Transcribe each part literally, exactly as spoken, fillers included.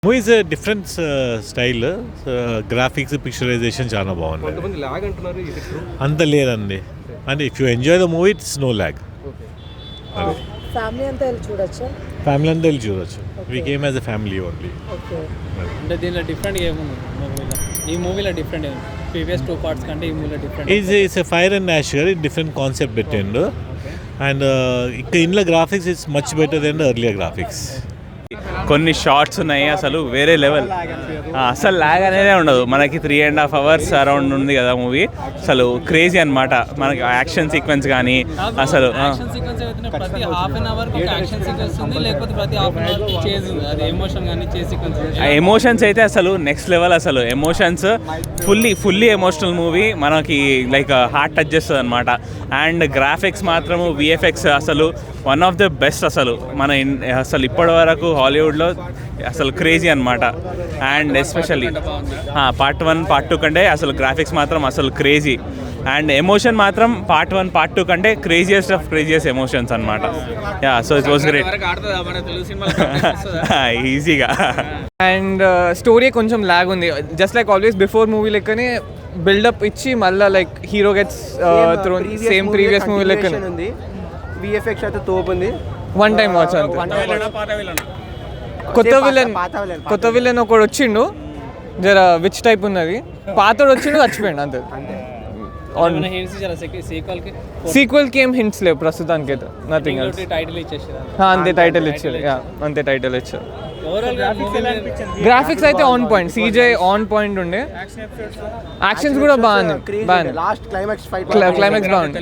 Movie is different style, graphics picturisation చాలా బాగుంది. కొంతమంది లాగ్ అంటున్నారు, ఇది ట్రూ? అంత లేదండి, అంటే if you enjoy the movie it's no lag. Family అంతా వెళ్ళి చూడొచ్చా? ఫ్యామిలీ అంతా వెళ్ళి చూడొచ్చు. We came as a family only. Okay. అంటే దీనిలో డిఫరెంట్ ఏముంది మూవీలో? ఈ మూవీలో డిఫరెంట్ ఏముంది ప్రీవియస్ టూ పార్ట్స్ కంటే ఈ మూవీలో different? Is it's a fire and ash గారు డిఫరెంట్ కాన్సెప్ట్ పెట్టిండు. అండ్ ఇక్కడ ఇంట్లో graphics it's much better than earlier graphics. కొన్ని షార్ట్స్ ఉన్నాయి అసలు వేరే లెవెల్, అసలు లాగ్ అనేది ఉండదు. మనకి three and half hours around ఉంది కదా మూవీ, అసలు క్రేజీ అనమాట. మనకి యాక్షన్ సీక్వెన్స్ కానీ అసలు ప్రతి half an hour action sequence ఉంది, లేకపోతే ప్రతి హాఫ్ అన్ అవర్ చేజ్ ఉంది, అది ఎమోషన్ కానీ చేజ్ సీక్వెన్స్. ఎమోషన్స్ అయితే అసలు నెక్స్ట్ లెవెల్, అసలు emotions fully fully emotional movie, మనకి లైక్ హార్ట్ టచ్ చేస్తుంది అనమాట. అండ్ గ్రాఫిక్స్ మాత్రము విఎఫ్ఎక్స్ అసలు వన్ ఆఫ్ ద బెస్ట్. అసలు మన అసలు ఇప్పటి వరకు హాలీవుడ్లో అసలు క్రేజీ అనమాట. And especially part one part two కంటే అసలు గ్రాఫిక్స్ మాత్రం అసలు క్రేజీ. అండ్ ఎమోషన్ మాత్రం పార్ట్ వన్ పార్ట్ టూ కంటే క్రేజియస్ట్ ఆఫ్ క్రేజియస్ట్ ఎమోషన్స్ అనమాట. Yeah, so it was great, ఈజీగా. అండ్ స్టోరీ కొంచెం లాగ్ ఉంది, just like always before movie లెక్కనే బిల్డప్ ఇచ్చి మళ్ళీ like hero gets throne same previous movie లెక్కనే ఉంది. విఎఫ్ఎక్స్ అయితే తోపుంది. వన్ టైం వాచ్ అంతే. కొత్త విలన్ కొత్త విలన్ ఒకడు వచ్చిండు, జర విచ్ టైప్ ఉన్నది. పాతోడు వచ్చిండు, చచ్చిపోయిండు అంతే. సీక్వెల్ కి ఏం హింట్స్ లేవు ప్రస్తుతానికి అయితే, నథింగ్ ఎల్స్. టైటిల్ ఇచ్చేసారు అంతే, టైటిల్ ఇచ్చారు. యా, అంతే, టైటిల్ ఇచ్చారు. గ్రాఫిక్స్ అయితే on point, CG on point ఉండే, యాక్షన్స్ కూడా బాగుంది బాగుంది లాస్ట్ క్లైమాక్స్ ఫైట్ క్లైమాక్స్ బాగుంది.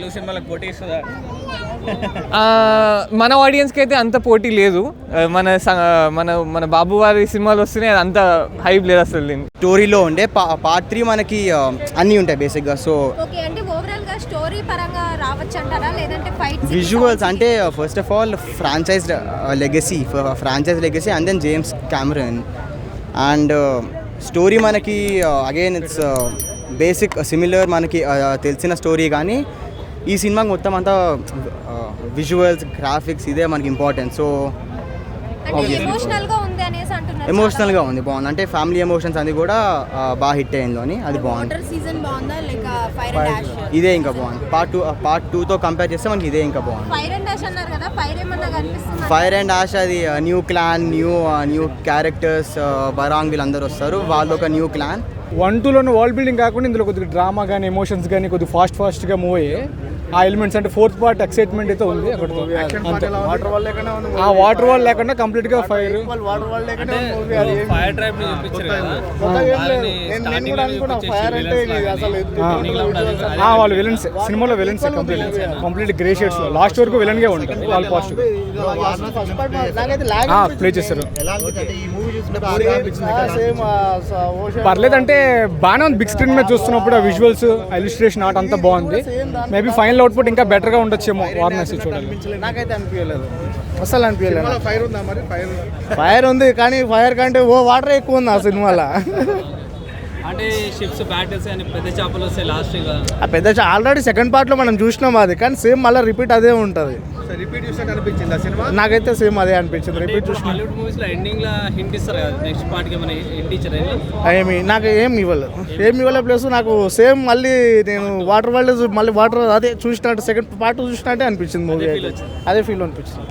మన ఆడియన్స్కి అయితే అంత పోటీ లేదు. మన మన మన బాబు వారి సినిమాలు వస్తున్నాయి, అంత హైప్ లేదు అసలు. స్టోరీలో ఉండే పార్ట్ త్రీ మనకి అన్నీ ఉంటాయి బేసిక్గా. సో విజువల్స్ అంటే first of all franchise legacy franchise legacy and then James Cameron. And story మనకి అగైన్ ఇట్స్ బేసిక్ సిమిలర్, మనకి తెలిసిన స్టోరీ. కానీ ఈ సినిమాకి మొత్తం అంతా విజువల్స్ గ్రాఫిక్స్ ఇదే మనకి ఇంపార్టెంట్. సో ఎమోషనల్గా ఉంది, బాగుంది. అంటే ఫ్యామిలీ ఎమోషన్స్ అది కూడా బాగా హిట్ అయింది అని, అది బాగుంది. ఇదే ఇంకా బాగుంది. పార్ట్ టూ పార్ట్ టూతో కంపేర్ చేస్తే మనకి ఇదే ఇంకా బాగుంది. ఫైర్ అండ్ యాష్ అది new clan, new new characters, Varang వీళ్ళందరూ వస్తారు, వాళ్ళు ఒక న్యూ క్లాన్. వన్ టూలోనే వాల్ బిల్డింగ్ కాకుండా ఇందులో కొద్దిగా డ్రామా కానీ ఎమోషన్స్ కానీ కొద్దిగా ఫాస్ట్ ఫాస్ట్గా మూవ్ అయ్యాయి ఆ ఎలిమెంట్స్. అంటే ఫోర్త్ పార్ట్ ఎక్సైట్మెంట్ అయితే ఉంది అక్కడ. ఆ వాటర్ వాల్ లేకుండా కంప్లీట్ గా ఫైర్ వాళ్ళు విలన్స్, సినిమాలో villains complete complete grey shades లో లాస్ట్ వరకు విలన్ గా ఉంటారు. వాళ్ళు పాజిటివ్ ప్లే చేస్తారు. పర్లేదు, అంటే బాగానే ఉంది. బిగ్ స్క్రీన్ మీద చూస్తున్నప్పుడు ఆ విజువల్స్, ఇలిస్ట్రేషన్ ఆర్ట్ అంతా బాగుంది. మేబీ ఫైనల్ అవుట్పుట్ ఇంకా బెటర్ గా ఉండొచ్చేమో. వారణాసి చూడాలి. నాకైతే అనిపించలేదు, అసలు అనిపించలేదు. ఫైర్ ఉందా మరి? ఫైర్ ఫైర్ ఉంది, కానీ ఫైర్ కంటే ఓ వాటర్ ఎక్కువ ఉంది ఆ సినిమాలో. అంటే షిప్స్ బ్యాటిల్స్ అని పెద్ద చేపలు వస్తాయి లాస్ట్. ఆ పెద్ద ఆల్రెడీ సెకండ్ పార్ట్ లో మనం చూసినాం అది, కానీ సేమ్ మళ్ళీ రిపీట్ అదే ఉంటుంది. రిపీట్ చూసినట్టు అనిపించింది ఆ సినిమా. నాకైతే సేమ్ అదే అనిపించింది. రిపీట్ చూసిన హాలీవుడ్ మూవీస్ లో ఎండింగ్ లో హింట్ ఇస్తారు కదా, నెక్స్ట్ పార్ట్ కి మన హింట్ ఇచ్చారు. ఏమి నాకు ఏం ఇవ్వలేదు, ఏం ఇవ్వలేదు. ప్లస్ నాకు సేమ్ మళ్ళీ నేను వాటర్ వరల్డ్ మళ్ళీ వాటర్ అదే చూసినట్టు సెకండ్ పార్ట్ చూసినట్టే అనిపించింది మూవీ. అదే ఫీల్ అనిపించింది.